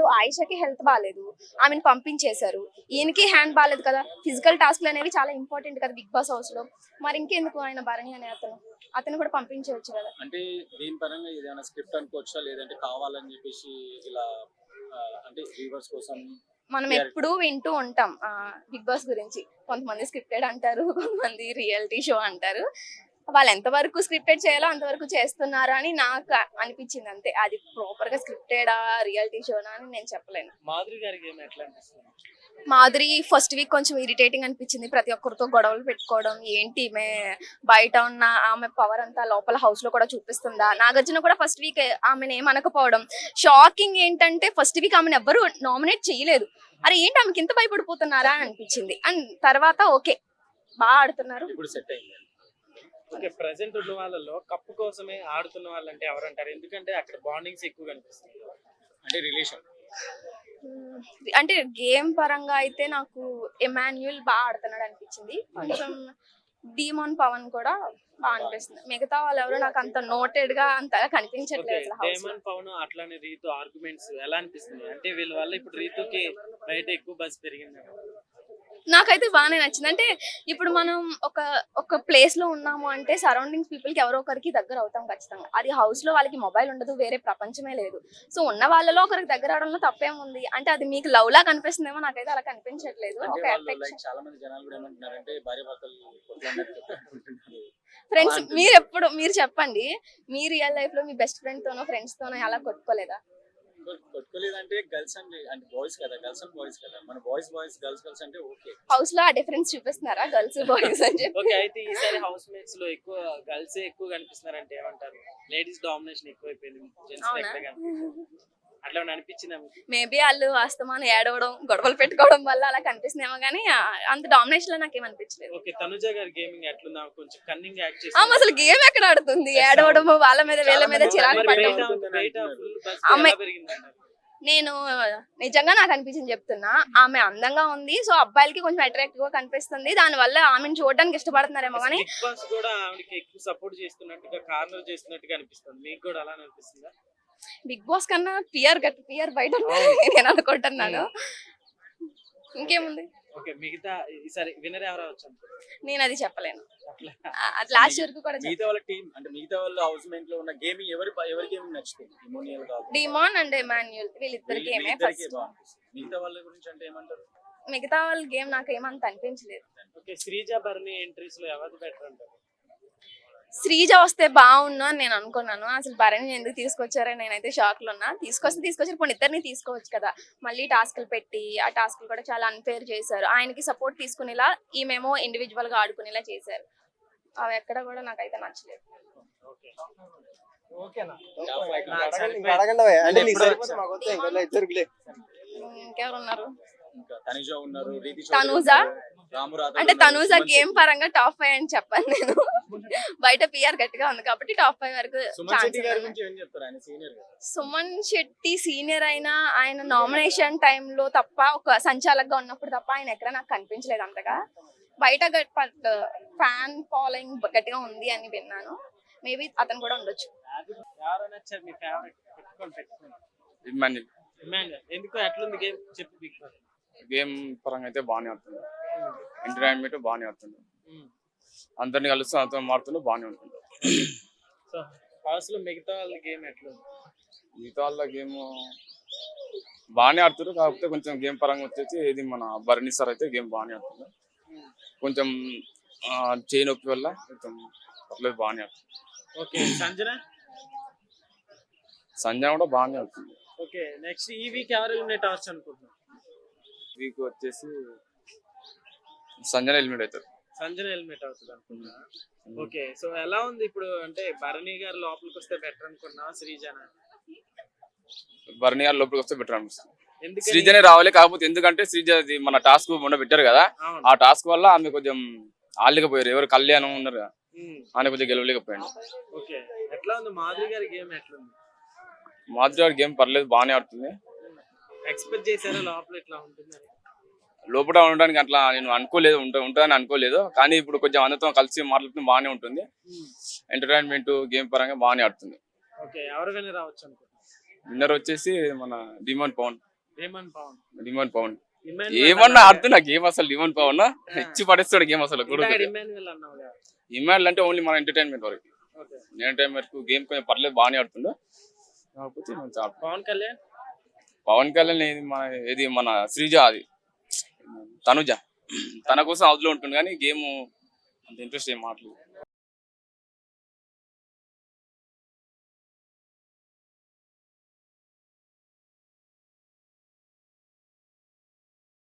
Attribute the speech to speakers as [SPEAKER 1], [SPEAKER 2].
[SPEAKER 1] ఆయిషాకి health బాగాలేదు, ఆమెను పంపించేశారు. ఈయనకి హ్యాండ్ బాగాలేదు కదా, ఫిజికల్ టాస్క్లు అనేవి చాలా ఇంపార్టెంట్ కదా బిగ్ బాస్ హౌస్ లో. మరి ఇంకెందుకు ఆయన భరణి అనే అతను కూడా పంపించవచ్చు కదా.
[SPEAKER 2] అంటే దీని పరంగా ఏదైనా స్క్రిప్ట్ అనుకోవచ్చా, లేదంటే కావాలని చెప్పేసి ఇలా అంటే వ్యూవర్స్ కోసం
[SPEAKER 1] మనం ఎప్పుడు వింటూ ఉంటాం బిగ్ బాస్ గురించి. కొంతమంది స్క్రిప్టెడ్ అంటారు, కొంతమంది రియాలిటీ షో అంటారు. వాళ్ళు ఎంతవరకు స్క్రిప్టెడ్ చేయాలో అంతవరకు చేస్తున్నారు అని నాకు అనిపించింది అంతే. అది ప్రాపర్ గా స్క్రిప్టెడా రియాలిటీ షోనా అని నేను చెప్పలేను.
[SPEAKER 3] మాధురి గారికి ఏమి ఎట్లా అనిపిస్తుంది?
[SPEAKER 1] మాధురి ఫస్ట్ వీక్ కొంచెం ఇరిటేటింగ్ అనిపించింది, ప్రతి ఒక్కరితో గొడవలు పెట్టుకోవడం. ఏంటి ఈమె బయట ఉన్న ఆమె పవర్ అంతా లోపల హౌస్ లో కూడా చూపిస్తుందా? నాగార్జున కూడా ఫస్ట్ వీక్ ఆమెను ఏమనకపోవడం షాకింగ్. ఏంటంటే ఫస్ట్ వీక్ ఆమెను ఎవ్వరు నామినేట్ చేయలేదు. అరే ఏంటి ఆమెకి ఇంత భయపడిపోతున్నారా అని అనిపించింది. అండ్ తర్వాత ఓకే బాగా ఆడుతున్నారు.
[SPEAKER 2] ఇప్పుడు సెట్ అయింది.
[SPEAKER 3] ఓకే, ప్రెసెంట్ ఉన్న వాళ్ళలో కప్పు కోసమే ఆడుతున్న వాళ్ళంటే ఎవరంటారు? ఎందుకంటే అక్కడ బాండింగ్స్ ఎక్కువ కనిపిస్తుంది,
[SPEAKER 2] అంటే రిలేషన్.
[SPEAKER 1] అంటే గేమ్ పరంగా అయితే నాకు ఎమాన్యుల్ బాగా ఆడుతున్నాడు అనిపించింది. కొంచెం డీమోన్ పవన్ కూడా బాగా అనిపిస్తుంది. మిగతా వాళ్ళు ఎవరు నాకు అంత నోటెడ్ గా అంతగా కనిపించట్లేదు.
[SPEAKER 3] డేమన్ పవన్ అట్లానే రీతు ఆర్గ్యుమెంట్స్ ఎలా అనిపిస్తుంది? అంటే వీళ్ళ వల్ల ఇప్పుడు రీతుకి బయట ఎక్కువ బస్ పెరిగింది.
[SPEAKER 1] నాకైతే బాగానే నచ్చింది. అంటే ఇప్పుడు మనం ఒక ప్లేస్ లో ఉన్నాము అంటే సరౌండింగ్స్ పీపుల్ కి ఎవరో ఒకరికి దగ్గర అవుతాం ఖచ్చితంగా. అది హౌస్ లో వాళ్ళకి మొబైల్ ఉండదు, వేరే ప్రపంచమే లేదు. సో ఉన్న వాళ్ళలో ఒకరికి దగ్గర అవడంలో తప్పేముంది. అంటే అది మీకు లవ్ లా కనిపిస్తుందేమో, నాకైతే అలా కనిపించట్లేదు.
[SPEAKER 2] చాలా మంది జనాలు కూడా ఏమంటున్నారంటే భార్యాభర్తలు
[SPEAKER 1] ఫ్రెండ్స్ మీరు చెప్పండి, మీ రియల్ లైఫ్ లో మీ బెస్ట్ ఫ్రెండ్ తోనో ఫ్రెండ్స్ తోనో అలా కొట్టుకోలేదా?
[SPEAKER 2] కొట్టుకోలేదంటే గర్ల్స్ అంటే బాయ్స్ కదా, గర్ల్స్ అండ్ బాయ్స్ కదా. మన బాయ్స్ గర్ల్స్ అంటే ఓకే.
[SPEAKER 1] హౌస్ లో ఆ డిఫరెన్స్ చూపిస్తున్నారా గర్ల్స్ బాయ్స్ అని చెప్పి?
[SPEAKER 3] ఓకే, అయితే ఈసారి హౌస్ మేట్స్ లో ఎక్కువ గర్ల్స్ ఎక్కువ కనిపిస్తున్నారు అంటే ఏమంటారు? లేడీస్ డామినేషన్ ఎక్కువైపోయింది, జెంట్స్ అట్లా అనిపించిందా?
[SPEAKER 1] మేబీ వాళ్ళు వాస్తవాన్ని ఏడవడం గొడవలు పెట్టుకోవడం వల్ల అలా కనిపిస్తుందేమో కానీ అంత డామినేషన్ లో నాకేం అనిపించలేదు.
[SPEAKER 3] ఓకే, తనుజ గారి గేమింగ్ ఎట్లుందా? కొంచెం కన్నింగ్ యాక్ట్ చేసి
[SPEAKER 1] అసలు గేమ్ ఎక్కడ ఆడుతుంది? ఏడవడం, వాళ్ళ మీద వీళ్ళ మీద చిరాకు పడడం. నేను నిజంగా నాకు అనిపించింది చెప్తున్నా, ఆమె అందంగా ఉంది. సో అబ్బాయిలకి కొంచెం అట్రాక్టివ్ గా కనిపిస్తుంది. దాని వల్ల ఆమెను చూడడానికి ఇష్టపడుతున్నారేమో కానీ
[SPEAKER 3] బిగ్ బాస్ కూడా ఆవిడకి ఎక్కువ సపోర్ట్ చేస్తున్నట్టుగా, కార్నర్ చేస్తున్నట్టుగా అనిపిస్తుంది. మీకు కూడా అలానే అనిపిస్తుందా?
[SPEAKER 1] బిగ్ బాస్ కన్నా పియర్ బయట నేను అనుకుంటున్నాను. ఇంకేముంది?
[SPEAKER 3] ఓకే, మిగతా ఈసారి విన్నర్ ఎవరు అవచ్చు?
[SPEAKER 1] నేను అది చెప్పలేను. లాస్ట్ వరకు కూడా
[SPEAKER 2] మిగతా వాళ్ళ టీం అంటే మిగతా వాళ్ళ హౌస్ మేట్ లో ఉన్న గేమింగ్ ఎవరి గేమింగ్ నచ్చుతుంది?
[SPEAKER 1] డిమోన్ అండ్ ఎమాన్యుల్ వీళ్ళిద్దరి గేమే ఫస్ట్.
[SPEAKER 2] మిగతా వాళ్ళ గురించి అంటే ఏమంటారు?
[SPEAKER 1] మిగతా వాళ్ళ గేమ్ నాకు ఏమంత అనిపించలేదు.
[SPEAKER 3] ఓకే, శ్రీజ భరణి ఎంట్రీస్ లో ఎవరు బెటర్ అంటారు?
[SPEAKER 1] శ్రీజ వస్తే బాగుండు అని నేను అనుకున్నాను. అసలు భరణి ఎందుకు తీసుకొచ్చారని నేనైతే షాక్ లో ఉన్నా. తీసుకొచ్చారు, కొన్ని ఇద్దరిని తీసుకోవచ్చు కదా. మళ్ళీ టాస్క్లు పెట్టి ఆ టాస్క్లు కూడా చాలా అన్ఫేర్ చేశారు. ఆయనకి సపోర్ట్ తీసుకునేలా ఈమెమో ఇండివిజువల్ గా ఆడుకునేలా చేశారు. అవి ఎక్కడ కూడా నాకైతే నచ్చలేదు. ఇంకెవరు ఉన్నారు? తనూజ. అంటే తనూజ గేమ్ పరంగా టాప్ 5 అని చెప్పాను నేను. బయట పిఆర్ గట్టిగా ఉంది కాబట్టి టాప్ 5 వరకు. సుమన్ శెట్టి సీనియర్ అయినా ఆయన నామినేషన్ టైంలో తప్ప, ఒక సంచాలకుగా ఉన్నప్పుడు తప్ప ఆయన ఎక్కడ నాకు కనిపించలేదు అంతగా. బయట ఫ్యాన్ ఫాలోయింగ్ గట్టిగా ఉంది అని విన్నాను. మేబీ అతను కూడా ఉండొచ్చు.
[SPEAKER 3] ఎందుకు ఎట్లుంది గేమ్ చెప్పు? బిగ్ బాస్
[SPEAKER 4] గేమ్ పరంగా అయితే బాగానే అవుతుంది, ఎంటర్టైన్మెంట్ బాగానే అవుతుంది, అందరిని కలుస్తూ అంతా మారుతుండే బాగానే ఉంటుంది.
[SPEAKER 3] సో హౌస్ లో మిగతా వాళ్ళ గేమ్ ఎట్లుంది?
[SPEAKER 4] మిగతా వాళ్ళ గేమ్ బాగానే ఆడుతారు, కాకపోతే కొంచెం గేమ్ పరంగా వచ్చేసి ఇది మన భరణి సార్ అయితే గేమ్ బాగానే ఆడుతుంది. కొంచెం చేయి నొప్పి వల్ల కొంచెం పర్లేదు బాగానే ఆడుతుంది.
[SPEAKER 3] ఓకే,
[SPEAKER 4] సంజన కూడా బాగానే అవుతుంది.
[SPEAKER 3] ఓకే, నెక్స్ట్ ఈ వీక్ ఎవరు ఎలిమినేట్ అవ్వచ్చు అనుకుంటున్నాం?
[SPEAKER 4] వీక్ వచ్చేసి సంజన ఎలిమినేట్ అవుతారు.
[SPEAKER 3] సంజన ఎలిమినేట్ అవుతుంది అనుకున్నా. ఓకే, సో ఎలా ఉంది ఇప్పుడు? అంటే భరణి గారు లోపలికి వస్తే బెటర్ అనుకున్నా, శ్రీజన?
[SPEAKER 4] భరణి గారు లోపలికి వస్తే బెటర్ అనిపిస్తుంది. శ్రీజనే రావాలి, కాకపోతే ఎందుకంటే శ్రీజ మన టాస్క్ మొన్న పెట్టారు కదా, ఆ టాస్క్ వల్ల ఆమె కొంచెం ఆడలేకపోయారు. ఎవరు కళ్యాణం ఉన్నారు కదా, ఆమె కొంచెం గెలవలేకపోయాడు.
[SPEAKER 3] ఓకే, ఎట్లా ఉంది మాధురి గారి గేమ్? ఎట్లుంది
[SPEAKER 4] మాధురి గారి గేమ్? పర్లేదు బాగానే ఆడుతుంది.
[SPEAKER 3] ఎక్స్పెక్ట్ చేశారా లోపల ఇట్లా ఉంటుంది?
[SPEAKER 4] లోపల ఉండడానికి అట్లా నేను అనుకోలేదు, ఉంటుందని అనుకోలేదు. కానీ ఇప్పుడు కొంచెం అందరితో కలిసి మాట్లాడుతుంది, బాగానే ఉంటుంది. ఎంటర్టైన్మెంట్ గేమ్ పరంగా బాగానే ఆడుతుంది.
[SPEAKER 3] ఓకే, ఎవరు విన్నర్ రావచ్చు అనుకుంటున్నారు?
[SPEAKER 4] విన్నర్ వచ్చేసి మన డిమోన్ పవన్.
[SPEAKER 3] రేమన్ పవన్
[SPEAKER 4] డిమాండ్ పవన్
[SPEAKER 3] ఇమాన్యుయల్
[SPEAKER 4] ఏమన్నా
[SPEAKER 3] అన్నావు
[SPEAKER 4] ఆడుతున్నా గేమ్ అసలు డిమాండ్ పవన్ ఇచ్చి పడేస్తాడు గేమ్ అసలు
[SPEAKER 3] కదా? ఇందాక ఇమాన్యుయల్ అన్నావు కదా.
[SPEAKER 4] ఇమాన్యుల్ అంటే ఓన్లీ మన ఎంటర్టైన్మెంట్ వరకు.
[SPEAKER 3] ఓకే.
[SPEAKER 4] ఎంటర్టైన్మెంట్ గేమ్ కొంచెం పర్లేదు బాగానే ఆడుతుండే కాకపోతే మంచి
[SPEAKER 3] పవన్ కళ్యాణ్
[SPEAKER 4] పవన్ కళ్యాణ్ ఇది మన శ్రీజ అది తనుజ తన కోసం అవుట్లో ఉంటుంది కానీ గేమ్ అంత ఇంట్రెస్ట్ ఏం మాట్లేదు.